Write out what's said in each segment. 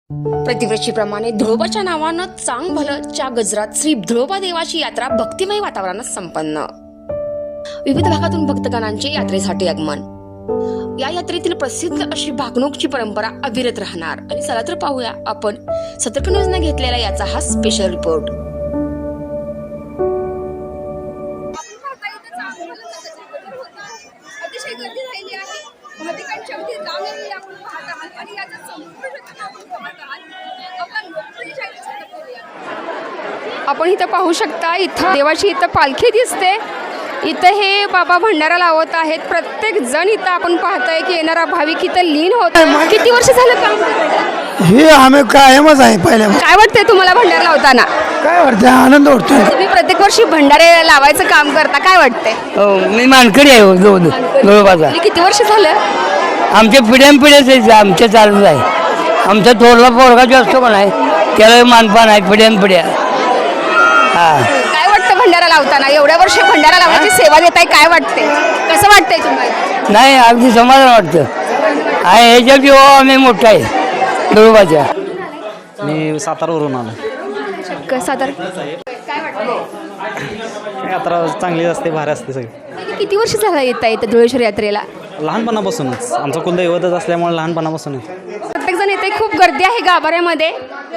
प्रतिवर्षीप्रमाणे धुळोबाच्या नावानं चांग भलच्या गजरात श्री धुळोबा देवाची यात्रा भक्तिमय वातावरणात संपन्न। विविध भागातून भक्तगणांचे यात्रेसाठी आगमन। या यात्रेतील प्रसिद्ध अशी भागणूकची परंपरा अविरत राहणार। आणि चला तर पाहूया आपण सतर्क न्यूजने घेतलेला याचा हा स्पेशल रिपोर्ट। अतिशय गर्दी राहिली आहे। भाविकांची अगदी रांग लागलेली आपण पाहत आहात आणि याचा संपूर्ण घटना आपण पाहत आहात। आपला लोकप्रिय चॅनल करूया। आपण इथं पाहू शकता, इथं देवाची इथं पालखी दिसते। इथं हे बाबा भंडारा लावत आहेत। प्रत्येक जण इथं आपण पाहतोय की येणारा भाविक इथं लीन होत आहे। किती वर्ष झालं काम करताय? हे आम्ही कायमच आहे पहिल्या। काय वाटतंय तुम्हाला भंडारा लावताना? काय वाटतं, आनंद वाटतोय। तुम्ही प्रत्येक वर्षी भंडारे लावायचं काम करता, काय वाटतंय? हो, मी मानकरी आहे धुळोबाचा। किती वर्ष झालं? आमच्या पिढ्यानपिढ्याच आमच्या चालूच आहे। आमचा थोरला पोरगा जो असतो पण आहे त्याला मानपान आहे पिढ्यानपिढ्या। हा, काय वाटतं भंडारा लावताना? एवढ्या वर्ष भंडारा लावायची सेवा देताय, काय वाटते? कसं वाटतंय तुम्हाला? नाही अगदी समाधान वाटतं आहे। ह्याच्या जीव आम्ही मोठा आहे धुळोबाच्या। मी सातारावरून आलो। सातारा काय वाटतं? यात्रा चांगली असते, भारी असते सगळी। किती वर्ष झालं येत आहे धुळेश्वर यात्रेला? लहानपणापासूनच आमचं कुलदैवतच असल्यामुळे लहानपणापासूनच प्रत्येक जण येते, खूप गर्दी आहे गाभाऱ्यामध्ये।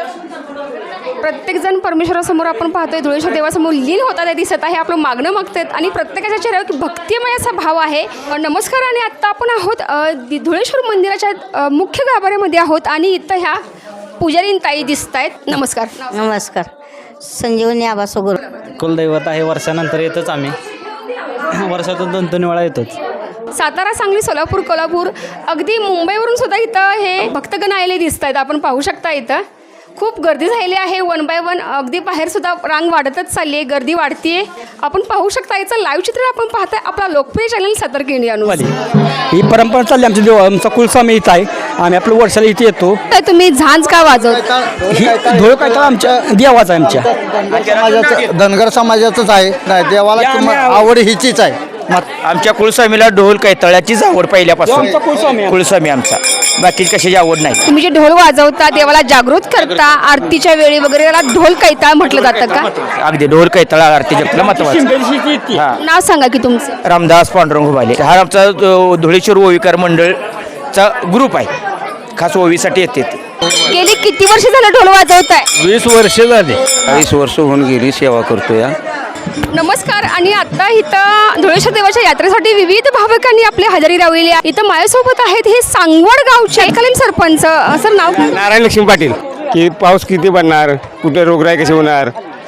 प्रत्येक जण परमेश्वरासमोर आपण पाहतोय धुळेश्वर देवासमोर लीन होतात दिसत आहे। आपलं मागणं मागतात आणि प्रत्येकाच्या चेहऱ्यावर भक्तिमय असा भाव आहे। नमस्कार, आणि आत्ता आपण आहोत धुळेश्वर मंदिराच्या मुख्य गाभाऱ्यामध्ये आहोत आणि इथं ह्या पुजारीन ताई दिसत आहेत। नमस्कार। नमस्कार, संजीवनी आबासोगर। कुलदैवत आहे, वर्षानंतर येतोच आम्ही। वर्षातून 2-3 वेळा येतोच। सातारा, सांगली, सोलापूर, कोल्हापूर, अगदी मुंबईवरून सुद्धा इथं हे भक्तगण आलेले दिसत आहेत। आपण पाहू शकता इथं खूप गर्दी झालेली आहे। 1 बाय 1 अगदी बाहेर सुद्धा रांग वाढतच चालली आहे, गर्दी वाढतीये। आपण पाहू शकता याचं लाईव्ह चित्र आपण पाहताय आपला लोकप्रिय चॅनल सतर्क इंडिया न्यूज। ही परंपरा चालली आमची। आमचा कुलस्वामी इथं आहे, आम्ही आपलं वर्षाला इथे येतो। तर तुम्ही झांज का वाजवता? ही धुळ काय तर आमच्या देवाचा आहे, आमच्या धनगर समाजाचंच आहे। नाही, देवाला आवड हिचीच आहे। आमच्या कुलस्वामीला ढोल कैतळ्याचीच आवड पहिल्यापासून। आमचा कुलस्वामी कुलस्वामी आमचा, बाकी कशाची आवड नाही। तुम्ही जे ढोल वाजवता, देवाला जागृत करता, आरतीच्या वेळी वगैरे याला ढोल कैताळ म्हटलं जातं का? अगदी ढोल कैतळा आरती जपलं महत्वाचं। हा, नाव सांगा की तुमचं? रामदास पांडुरंग हुबाले। हा आमचा धुळेश्वर ओवीकार मंडळचा ग्रुप आहे, खास ओवीसाठी येते ते। गेली किती वर्ष झालं ढोल वाजवताय? 20 वर्ष झाली। 20 वर्ष होऊन गेली सेवा करतो या। नमस्कार, आणि आता इथं धुळेश्वर देवाच्या यात्रेसाठी विविध भाविकांनी आपली हजेरी लावलेली आहे। इथं माझ्यासोबत आहेत हे सांगवड गावचे तत्कालीन सरपंच। सर, नाव काय? नारायण लक्ष्मी पाटील। की पाऊस किती पडणार, कुठे रोगराई कशी होणार,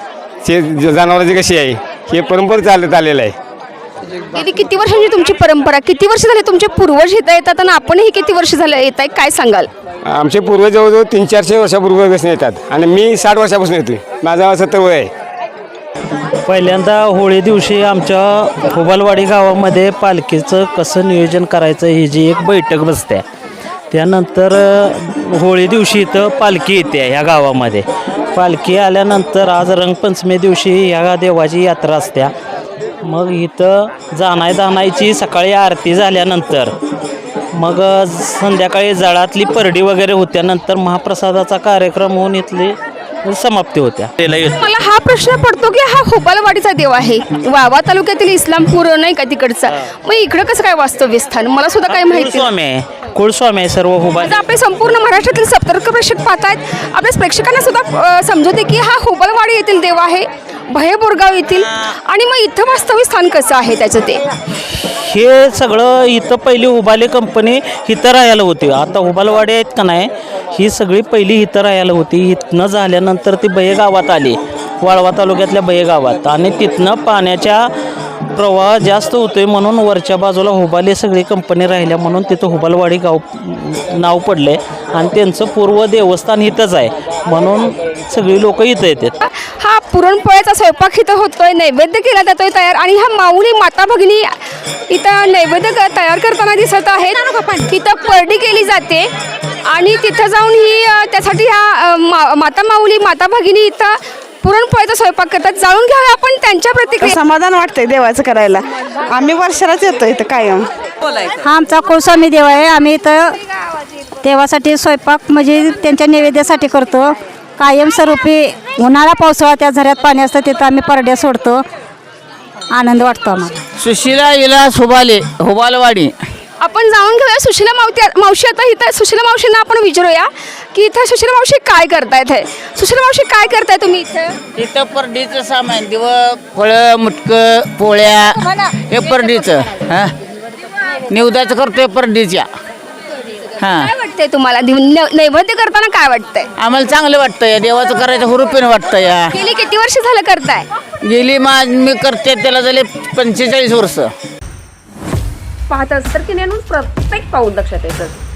जनावरांची कशी आहे, हे परंपरा चालत आलेलं आहे। गेली किती वर्षांची तुमची परंपरा? किती वर्ष झाले तुमचे पूर्वज इथं येतात आणि आपणही किती वर्ष झालं येत आहे, काय सांगाल? आमचे पूर्वज जवळजवळ 300-400 वर्षापूर्वीपासून येतात आणि मी 60 वर्षापासून येतोय। माझा 70 वय आहे। पहिल्यांदा होळी दिवशी आमच्या हुबालवाडी गावामध्ये पालखीचं कसं नियोजन करायचं ही जी एक बैठक बसते। त्यानंतर होळी दिवशी इथं पालखी येते ह्या गावामध्ये। पालखी आल्यानंतर आज रंगपंचमी दिवशी ह्या देवाची यात्रा असते। मग इथं जाणायची सकाळी आरती झाल्यानंतर मग संध्याकाळी जळातली परडी वगैरे होत्यानंतर महाप्रसादाचा कार्यक्रम होऊन इथली समाप्ती होत्या। मला हा प्रश्न पडतो की हा हुबालवाडीचा देव आहे, वावा तालुक्यातील इस्लामपूर नाही का तिकडचा, मग इकडं कसं काय वास्तव्य स्थान? मला सुद्धा काय माहिती कुलस्वामी आहे, कुलस्वामी आहे सर्व हुबाल। आपले संपूर्ण महाराष्ट्रातील सतर्क प्रेक्षक पाहतायत। आपल्या प्रेक्षकांना सुद्धा समजवते की हा हुबालवाडी येथील देव आहे, भयेबोरगाव येथील, आणि मग इथं वास्तव्य स्थान कसं आहे त्याचं ते? हे सगळं इथं पहिली हुबाली कंपनी इथं राहायला होती। आता हुबालवाडी आहेत का नाही, ही सगळी पहिली इथं राहायला होती। इथनं झाल्यानंतर ती बये गावात आली, वाळवा तालुक्यातल्या बये गावात, आणि तिथनं पाण्याच्या प्रवाह जास्त होतोय म्हणून वरच्या बाजूला हुबाली सगळी कंपनी राहिल्या म्हणून तिथं हुबालवाडी गाव नाव पडले आणि त्यांचं पूर्व देवस्थान इथंच आहे म्हणून सगळी लोक इथं येतात। हा पुरणपोळ्याचा स्वयंपाक इथं होतोय, नैवेद्य केला जातोय तयार, आणि ह्या माऊली माता भगिनी इथं नैवेद्य तयार करताना दिसत आहेत। तिथं परडी केली जाते आणि तिथं जाऊन ही त्यासाठी ह्या माता माऊली माता भगिनी इथं पुरणपोळीचा स्वयंपाक करतात। जाणून घ्यावे आपण त्यांच्या प्रतिक्रिया। समाधान वाटतंय देवाचं करायला। आम्ही वर्षालाच येतो इथं कायम। हा आमचा कुलस्वामी देव आहे. आम्ही इथं देवासाठी स्वयंपाक म्हणजे त्यांच्या नैवेद्यासाठी करतो. कायमस्वरूपी उन्हाळा पावसाळा त्या झऱ्यात पाणी असतं तिथं आम्ही परड्या सोडतो. आनंद वाटतो आम्हाला. सुशिला इला सुबाले हुबालवाडी. आपण जाऊन घेऊया सुशीला मावशी. आता इथं सुशीला मावशींना आपण विचारूया की इथं सुशीला मावशी काय करतायत हे. सुशीला मावशी काय करताय तुम्ही इथे? इथं परडीचं सामान दिव फळं मुटकं पोळ्या हे परडीचं हां निवदाचं करतोय परडीच्या. हां काय वाटतंय तुम्हाला नैवेद्य करताना काय वाटतंय? आम्हाला चांगलं वाटतं या देवाचं करायचं हुरुपीनं वाटतं या. गेली किती वर्ष झालं करताय? गेली मी करते त्याला झाले 45 वर्ष. पाहत असतं की नेहमी प्रत्येक पाऊल लक्षात येतं.